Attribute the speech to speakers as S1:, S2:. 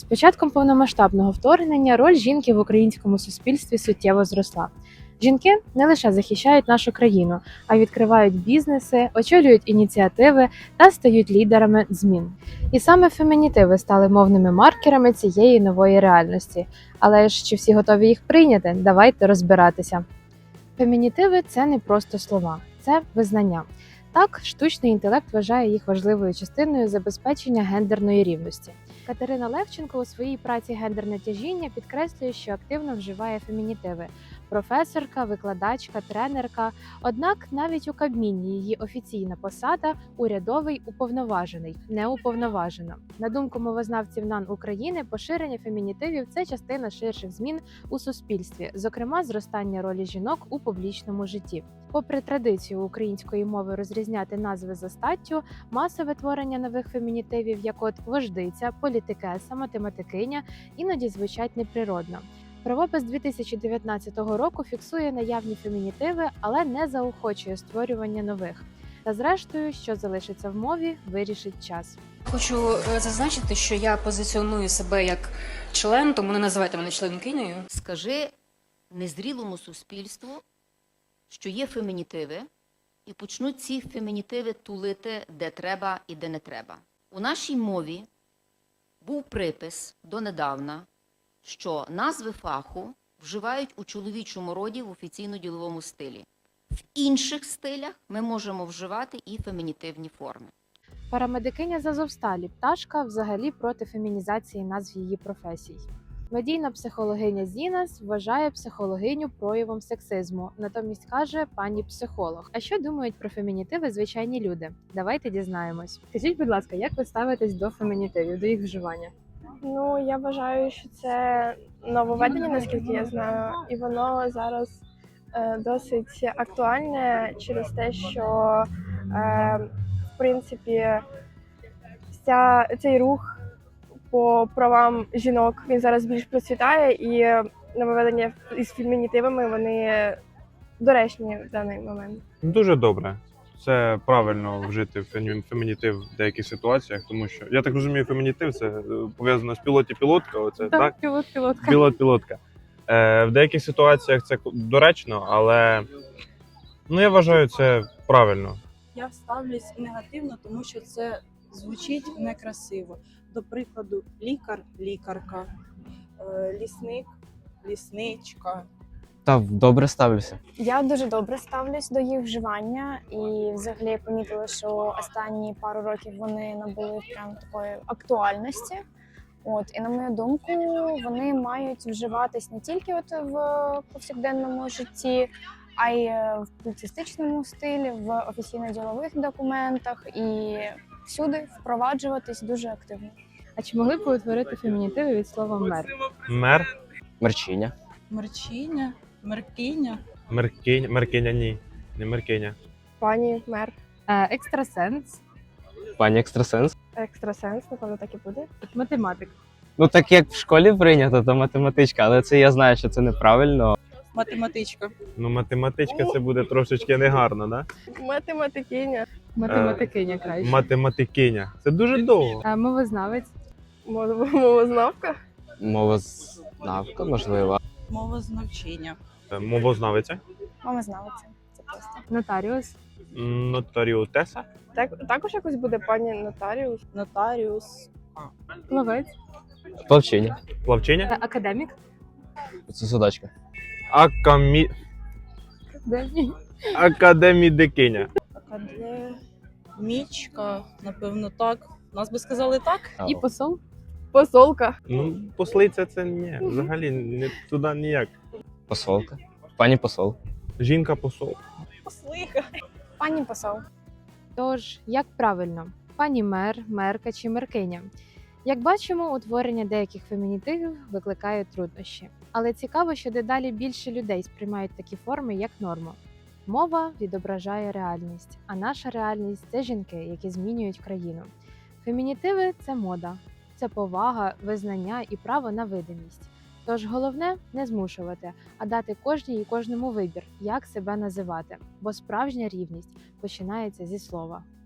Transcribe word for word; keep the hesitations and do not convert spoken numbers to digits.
S1: початком повномасштабного вторгнення роль жінки в українському суспільстві суттєво зросла. Жінки не лише захищають нашу країну, а й відкривають бізнеси, очолюють ініціативи та стають лідерами змін. І саме фемінітиви стали мовними маркерами цієї нової реальності. Але ж чи всі готові їх прийняти? Давайте розбиратися. Фемінітиви – це не просто слова, це визнання. Так, штучний інтелект вважає їх важливою частиною забезпечення гендерної рівності. Катерина Левченко у своїй праці «Гендерне тяжіння» підкреслює, що активно вживає фемінітиви – професорка, викладачка, тренерка. Однак навіть у Кабміні її офіційна посада – урядовий уповноважений, не уповноважена. На думку мовознавців НАН України, поширення фемінітивів – це частина ширших змін у суспільстві, зокрема зростання ролі жінок у публічному житті. Попри традицію української мови розрізняти назви за статтю, масове творення нових фемінітивів, як от вождиця, політикеса, математикиня, іноді звучать неприродно. Правопис дві тисячі дев'ятнадцятого року фіксує наявні фемінітиви, але не заохочує створювання нових. Та зрештою, що залишиться в мові, вирішить час.
S2: Хочу е, зазначити, що я позиціоную себе як член, тому не називайте мене членкинею.
S3: Скажи незрілому суспільству, що є фемінітиви, і почнуть ці фемінітиви тулити де треба і де не треба. У нашій мові був припис донедавна, що назви фаху вживають у чоловічому роді в офіційно-діловому стилі. В інших стилях ми можемо вживати і фемінітивні форми.
S1: Парамедикиня з Азовсталі Пташка взагалі проти фемінізації назв її професій. Медійна психологиня Зінас вважає психологиню проявом сексизму, натомість каже пані психолог. А що думають про фемінітиви звичайні люди? Давайте дізнаємось. Скажіть, будь ласка, як ви ставитесь до фемінітивів, до їх вживання?
S4: Ну, я вважаю, що це нововведення, наскільки я знаю, і воно зараз е, досить актуальне через те, що е, в принципі ця, цей рух по правам жінок він зараз більш процвітає, і нововведення із фемінітивами вони доречні в даний момент.
S5: Дуже добре. Це правильно вжити фемі- фемінітив в деяких ситуаціях, тому що я так розумію, фемінітив це е, пов'язано з пілоті-пілотка. Оце так,
S1: пілот-пілотка.
S5: пілот-пілотка. Е, в деяких ситуаціях це доречно, але ну я вважаю це правильно.
S6: Я ставлюсь негативно, тому що це звучить некрасиво. До прикладу, лікар, лікарка, е, лісник, лісничка.
S7: Та добре ставлюся.
S8: Я дуже добре ставлюсь до їх вживання, і взагалі я помітила, що останні пару років вони набули прям такої актуальності. От, і на мою думку, вони мають вживатись не тільки от в повсякденному житті, а й в публіцистичному стилі, в офіційно-ділових документах і всюди впроваджуватись дуже активно.
S1: А чи могли б ви утворити фемінітиви від слова мер?
S5: Мер,
S7: Мерчиня.
S6: Мерчиня, меркиня.
S5: меркиня, меркиня ні, не меркиня.
S4: Пані мер,
S1: Е, екстрасенс,
S7: Пані екстрасенс.
S4: екстрасенс, напевно, так і буде.
S1: математик.
S7: Ну так як в школі прийнято, то математичка, але це я знаю, що це неправильно.
S6: Математичка.
S5: Ну математичка це буде трошечки негарно, да?
S4: Математикиня,
S1: Математикиня краще.
S5: Математикиня. Це дуже довго.
S1: Е, мовознавець,
S4: мов- мовознавка,
S7: Мовознавка, можливо.
S6: Мовознавчиня.
S5: Е, Мовознавиця,
S8: Мама знала це. Це просто.
S1: нотаріус,
S5: нотаріутеса,
S4: так, також якось буде пані нотаріус.
S6: Нотаріус.
S1: плавець,
S7: Плавчиня.
S5: плавчиня,
S1: е, академік,
S7: Це судачка.
S5: акамі...
S1: Академій.
S5: академідикиня.
S6: Академічка, напевно, так. Нас би сказали так.
S1: І посол.
S4: Посолка,
S5: Ну, послиця це ні, взагалі не туди ніяк.
S7: Посолка. Пані посол.
S5: Жінка посол.
S6: Послиха.
S8: Пані посол.
S1: Тож, як правильно, пані мер, мерка чи меркиня? Як бачимо, утворення деяких фемінітивів викликає труднощі. Але цікаво, що дедалі більше людей сприймають такі форми як норму. Мова відображає реальність, а наша реальність – це жінки, які змінюють країну. Фемінітиви – це мода, це повага, визнання і право на видимість. Тож головне – не змушувати, а дати кожній і кожному вибір, як себе називати. Бо справжня рівність починається зі слова.